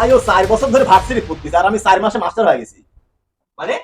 ভাই ও 4 বছর ধরে ভার্সিটি পড়তেছে আর আমি 4 মাসে মাস্টার হয়ে গেছি। মানে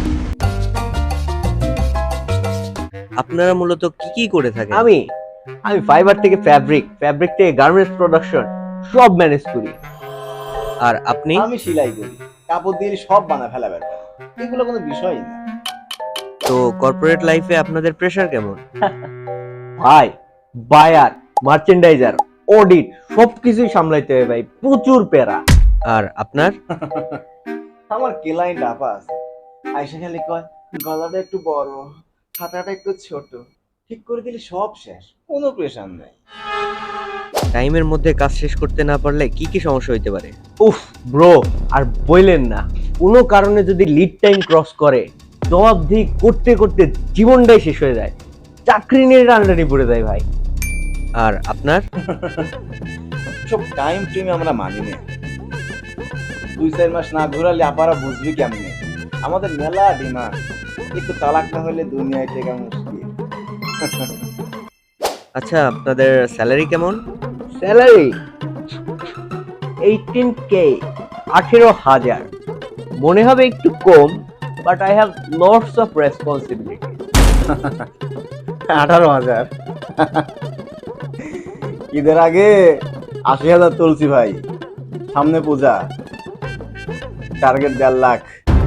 আপনারা মূলত কি কি করে থাকেন? আমি আমি ফাইবার থেকে ফ্যাব্রিক থেকে গার্মেন্টস প্রোডাকশন সব ম্যানেজ করি। আর আপনি? আমি সেলাই করি, কাপড় দিয়ে সব বানা ফেলা বেটা, এগুলো কোনো বিষয়ই না। তো কর্পোরেট লাইফে আপনাদের প্রেসার কেমন? ভাই বায়ার, মার্চেন্ডাইজার, অডিট সবকিছুই সামলাইতে হবে ভাই, প্রচুর প্যারা। আর আপনার? আমার ক্লায়েন্ট আপা আছে, আইসা খালি কয় গলাটা একটু বড়, হাতাটা একটু ছোট, ঠিক করে দিলে সব শেষ, কোনো প্রেশার নাই। টাইমের মধ্যে কাজ শেষ করতে না পারলে কি কি সমস্যা হইতে পারে? উফ ব্রো, আর বললেন না, কোনো কারণে যদি লিড টাইম ক্রস করে জবাবদিহি করতে করতে জীবনটাই শেষ হয়ে যায়, চাকরি নিয়ে টানাটানি পড়ে যায় ভাই। আর আপনার? সব টাইম টিমে আমরা মানি না, 2-4 মাস না ঘুরালে আপারা বুঝবি কেমনে, আমাদের মেলা ডিমান্ড, একটু তালাক না হলে দুনিয়ায় টেকা মুশকিল। আচ্ছা, আপনাদের স্যালারি কেমন? Salary 18K, 18,000। মনে হবে একটু কম, but I have lots of responsibility. 18,000 ঈদের আগে 80,000 তুলছি ভাই, সামনে পূজা, টার্গেট 1.5 লাখ।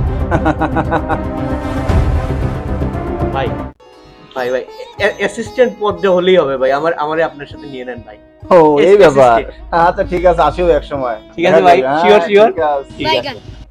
ভাই ভাই ভাই অ্যাসিস্ট্যান্ট পদে হলেই হবে ভাই, আমারে আপনার সাথে নিয়ে নেন ভাই। ও এই ব্যাপার, আচ্ছা ঠিক আছে, আসিও এক সময়। ঠিক আছে ভাই, শিওর শিওর। ঠিক আছে। ঠিক আছে।